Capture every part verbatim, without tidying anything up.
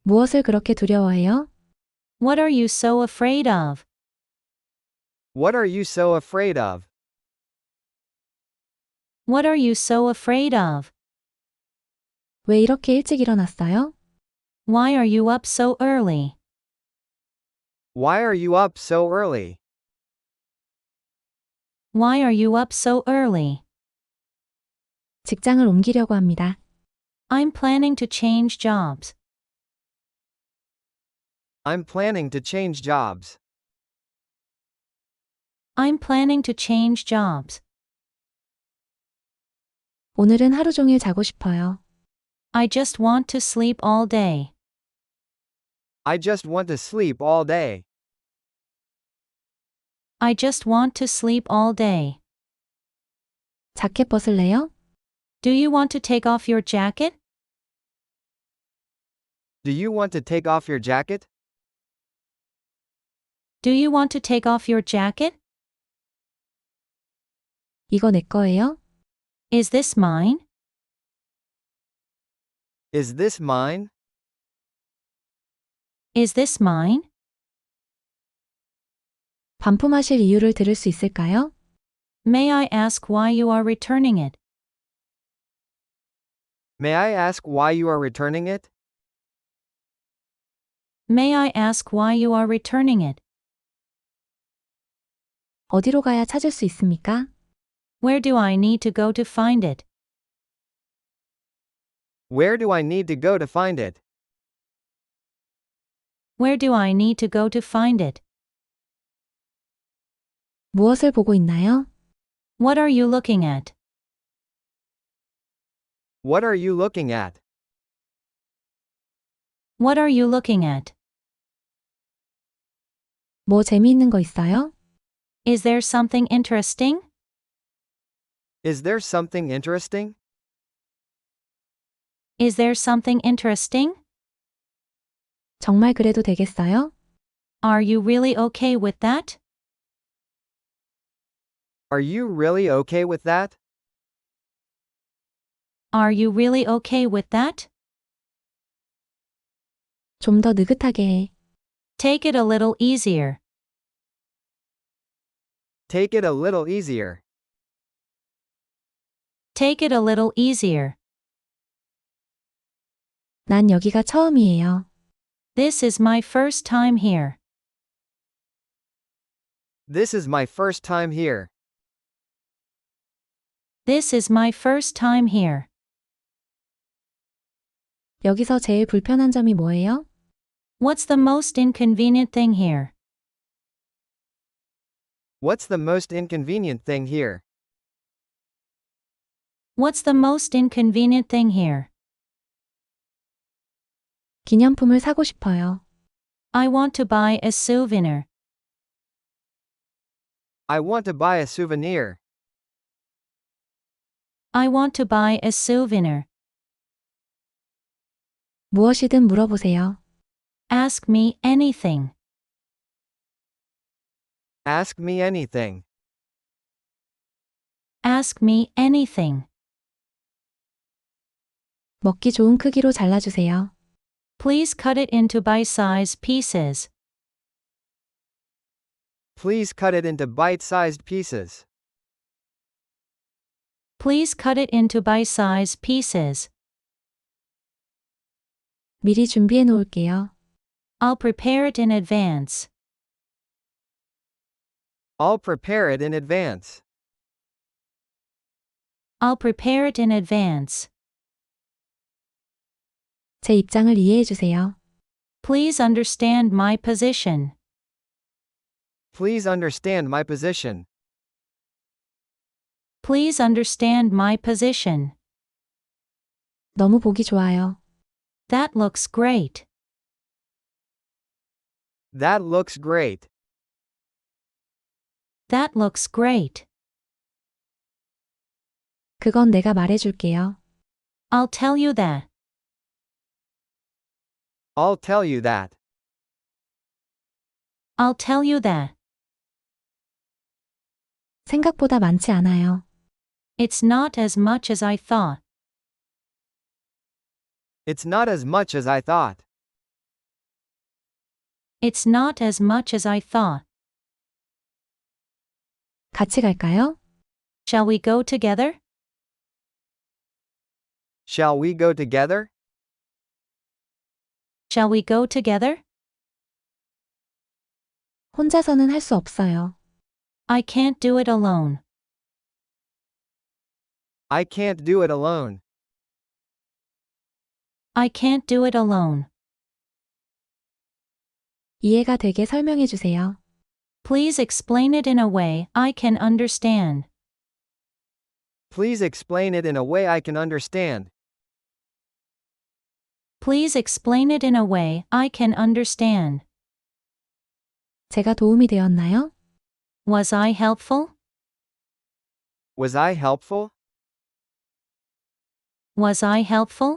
무엇을 그렇게 두려워해요? What are you so afraid of? What are you so afraid of? What are you so afraid of? 왜 이렇게 일찍 일어났어요? Why are you up so early? Why are you up so early? Why are you up so early? 직장을 옮기려고 합니다. I'm planning to change jobs. I'm planning to change jobs. I'm planning to change jobs. 오늘은 하루 종일 자고 싶어요. I just want to sleep all day. I just want to sleep all day. I just want to sleep all day. 자켓 벗을래요? Do you want to take off your jacket? Do you want to take off your jacket? Do you want to take off your jacket? 이거 내 거예요? Is this mine? Is this mine? Is this mine? 반품하실 이유를 들을 수 있을까요? May I ask why you are returning it? May I ask why you are returning it? May I ask why you are returning it? 어디로 가야 찾을 수 있습니까? Where do I need to go to find it? Where do I need to go to find it? Where do I need to go to find it? 무엇을 보고 있나요? What are you looking at? What are you looking at? What are you looking at? 뭐 재미있는 거 있어요? Is there something interesting? Is there something interesting? Is there something interesting? 정말 그래도 되겠어요? Are you really okay with that? Are you really okay with that? Are you really okay with that? 좀 더 느긋하게 해. Take it a little easier. Take it a little easier. Take it a little easier. 난 여기가 처음이에요. This is my first time here. This is my first time here. This is my first time here. 여기서 제일 불편한 점이 뭐예요? What's the most inconvenient thing here? What's the most inconvenient thing here? What's the most inconvenient thing here? 기념품을 사고 싶어요. I want to buy a souvenir. I want to buy a souvenir. I want to buy a souvenir. 무엇이든 물어보세요. Ask me anything. Ask me anything. Ask me anything. 먹기 좋은 크기로 잘라주세요. Please cut it into bite-sized pieces. Please cut it into bite-sized pieces. Please cut it into bite-sized pieces. 미리 준비해 놓을게요. I'll prepare it in advance. I'll prepare it in advance. I'll prepare it in advance. 제 입장을 이해해 주세요. Please understand my position. Please understand my position. Please understand my position. 너무 보기 좋아요. That looks great. That looks great. That looks great. 그건 내가 말해줄게요. I'll tell you that. I'll tell you that. I'll tell you that. 생각보다 많지 않아요. It's not as much as I thought. It's not as much as I thought. It's not as much as I thought. 같이 갈까요? Shall we go together? Shall we go together? Shall we go together? 혼자서는 할 수 없어요. I can't do it alone. I can't do it alone. I can't do it alone. 이해가 되게 설명해 주세요. Please explain it in a way I can understand. Please explain it in a way I can understand. Please explain it in a way I can understand. 제가 도움이 되었나요? Was I helpful? Was I helpful? Was I helpful?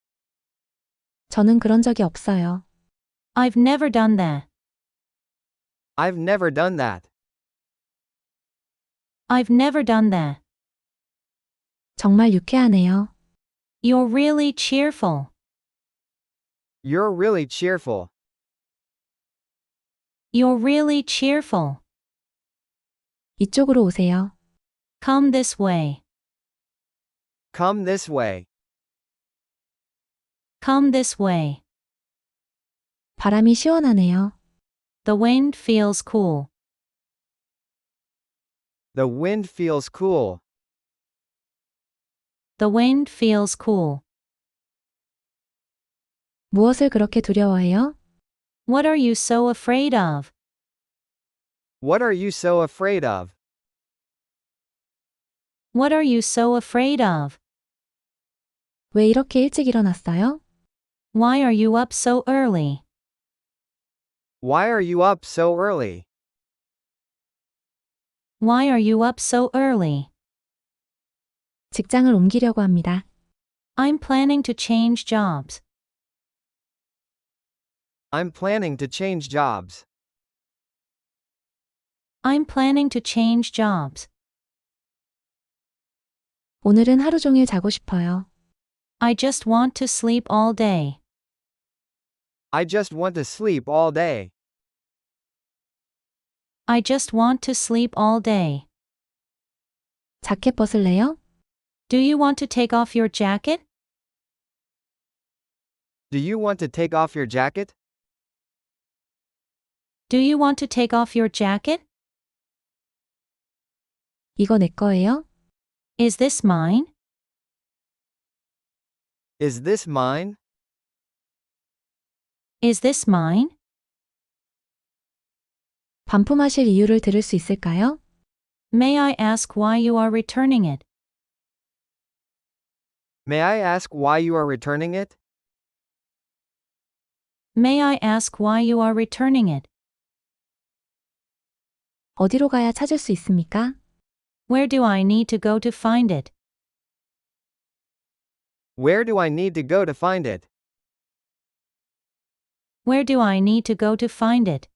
저는 그런 적이 없어요. I've never done that. I've never done that. I've never done that. 정말 유쾌하네요. You're really cheerful. You're really cheerful. You're really cheerful. 이쪽으로 오세요. Come this way. Come this way. Come this way. 바람이 시원하네요. The wind feels cool. The wind feels cool. The wind feels cool. 무엇을 그렇게 두려워해요? What are you so afraid of? What are you so afraid of? What are you so afraid of? 왜 이렇게 일찍 일어났어요? Why are you up so early? Why are you up so early? Why are you up so early? 직장을 옮기려고 합니다. I'm planning to change jobs. I'm planning to change jobs. I'm planning to change jobs. 오늘은 하루 종일 자고 싶어요. I just want to sleep all day. I just want to sleep all day. I just want to sleep all day. 자켓 벗을래요? Do you want to take off your jacket? Do you want to take off your jacket? Do you want to take off your jacket? 이거 내 거예요? Is this mine? Is this mine? Is this mine? 반품하실 이유를 들을 수 있을까요? May I ask why you are returning it? May I ask why you are returning it? May I ask why you are returning it? 어디로 가야 찾을 수 있습니까? Where do I need to go to find it? Where do I need to go to find it? Where do I need to go to find it?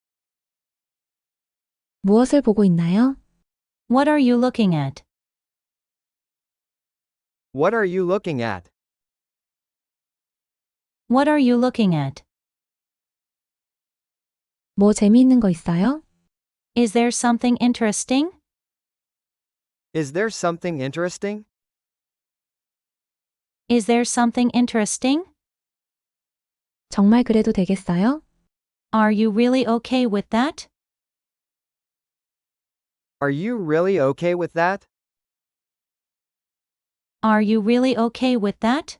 무엇을 보고 있나요? What are you looking at? What are you looking at? What are you looking at? 뭐 재미있는 거 있어요? Is there something interesting? Is there something interesting? Is there something interesting? 정말 그래도 되겠어요? Are you really okay with that? Are you really okay with that? Are you really okay with that?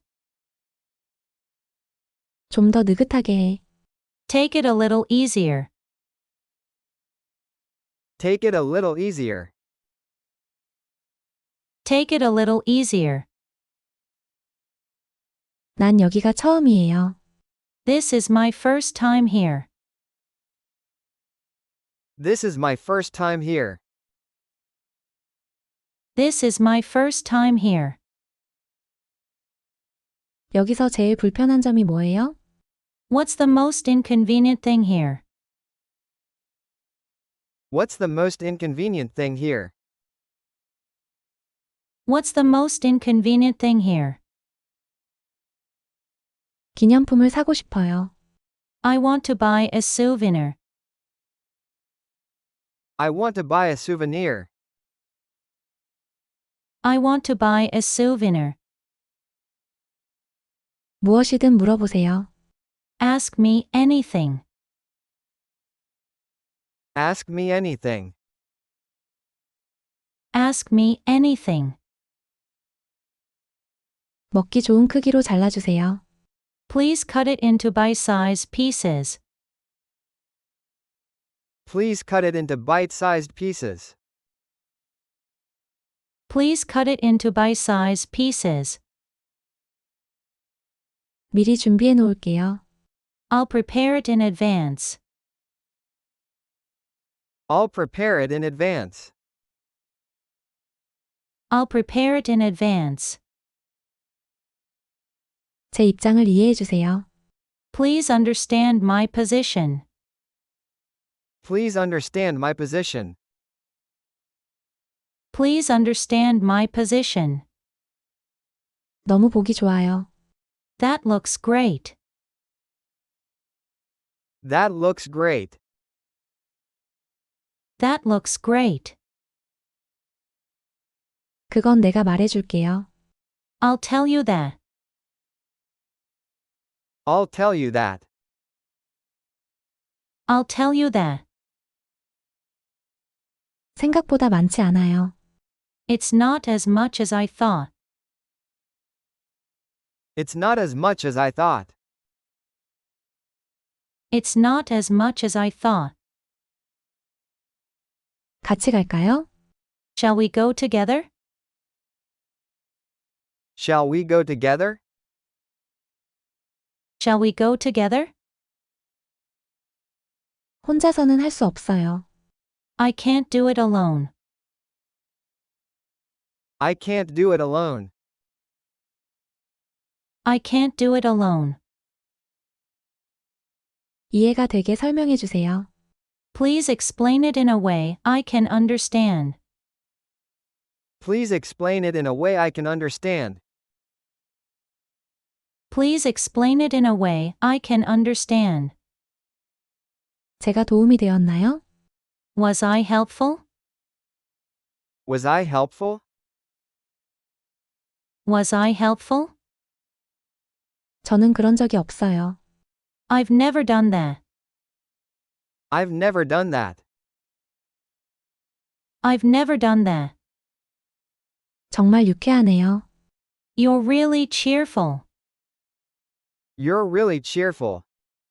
좀 더 느긋하게 해. Take it a little easier. Take it a little easier. Take it a little easier. 난 여기가 처음이에요. This is my first time here. This is my first time here. This is my first time here. 여기서 제일 불편한 점이 뭐예요? What's the most inconvenient thing here? What's the most inconvenient thing here? What's the most inconvenient thing here? 기념품을 사고 싶어요. I want to buy a souvenir. I want to buy a souvenir. I want to buy a souvenir. 무엇이든 물어보세요. Ask me anything. Ask me anything. Ask me anything. 먹기 좋은 크기로 잘라주세요. Please cut it into bite-sized pieces. Please cut it into bite-sized pieces. Please cut it into bite-sized pieces. 미리 준비해 놓을게요. I'll prepare it in advance. I'll prepare it in advance. I'll prepare it in advance. 제 입장을 이해해 주세요. Please understand my position. Please understand my position. Please understand my position. 너무 보기 좋아요. That looks great. That looks great. That looks great. 그건 내가 말해줄게요. I'll tell you that. I'll tell you that. I'll tell you that. 생각보다 많지 않아요. It's not as much as I thought. It's not as much as I thought. It's not as much as I thought. 같이 갈까요? Shall we go together? Shall we go together? Shall we go together? 혼자서는 할 수 없어요. I can't do it alone. I can't do it alone. I can't do it alone. 이해가 되게 설명해 주세요. Please explain it in a way I can understand. Please explain it in a way I can understand. Please explain it in a way I can understand. 제가 도움이 되었나요? Was I helpful? Was I helpful? Was I helpful? 저는 그런 적이 없어요. I've never done that. I've never done that. I've never done that. 정말 유쾌하네요. You're really cheerful. You're really cheerful.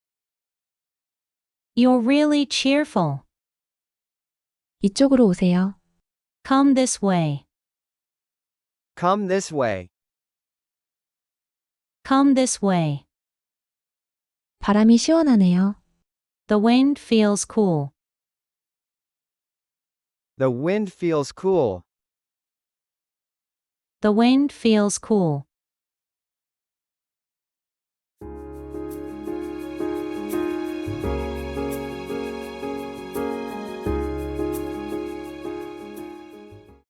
You're really cheerful. 이쪽으로 오세요. Come this way. Come this way. Come this way. 바람이 시원하네요. The wind feels cool. The wind feels cool. The wind feels cool.